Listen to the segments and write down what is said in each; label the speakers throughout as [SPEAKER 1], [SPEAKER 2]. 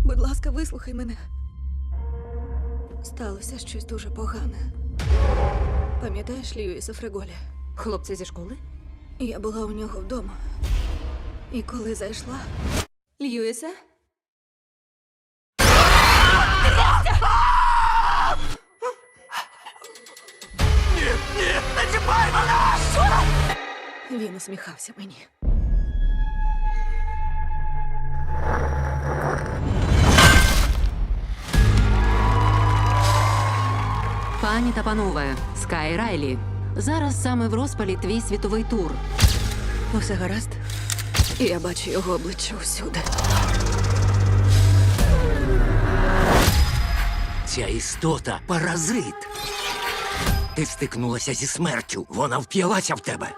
[SPEAKER 1] Будь ласка, вислухай мене. Сталося щось дуже погане. Пам'ятаєш Льюіса Фреголі?
[SPEAKER 2] Хлопці зі школи?
[SPEAKER 1] Я була у нього вдома. І коли зайшла... Льюісе?
[SPEAKER 3] Ні, не чіпай мене!
[SPEAKER 1] Він усміхався мені.
[SPEAKER 4] Пані та панове, Скай Райлі. Зараз саме в розпалі твій світовий тур.
[SPEAKER 1] Усе гаразд? І я бачу його обличчя усюди.
[SPEAKER 3] Ця істота – паразит. Ти стикнулася зі смертю. Вона вп'ялася в тебе.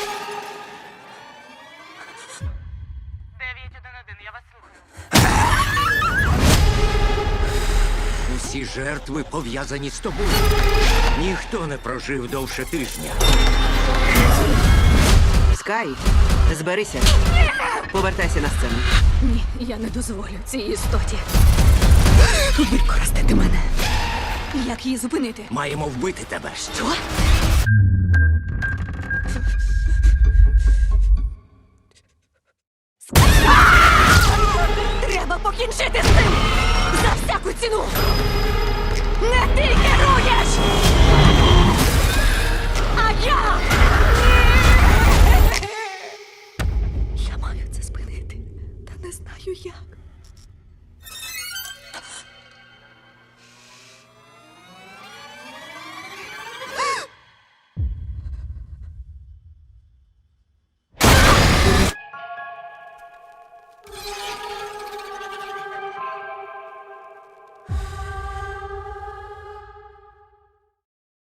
[SPEAKER 5] 911, я вас слухаю.
[SPEAKER 3] Усі жертви пов'язані з тобою. Ніхто не прожив довше тижня.
[SPEAKER 6] Скай, зберися. Повертайся на сцену.
[SPEAKER 1] Ні, я не дозволю цій істоті використати мене. Як її зупинити?
[SPEAKER 3] Маємо вбити тебе.
[SPEAKER 1] Що? Треба покінчити з цим! За всяку ціну! Не ти керуєш! А я! Я маю це спинити, та не знаю як.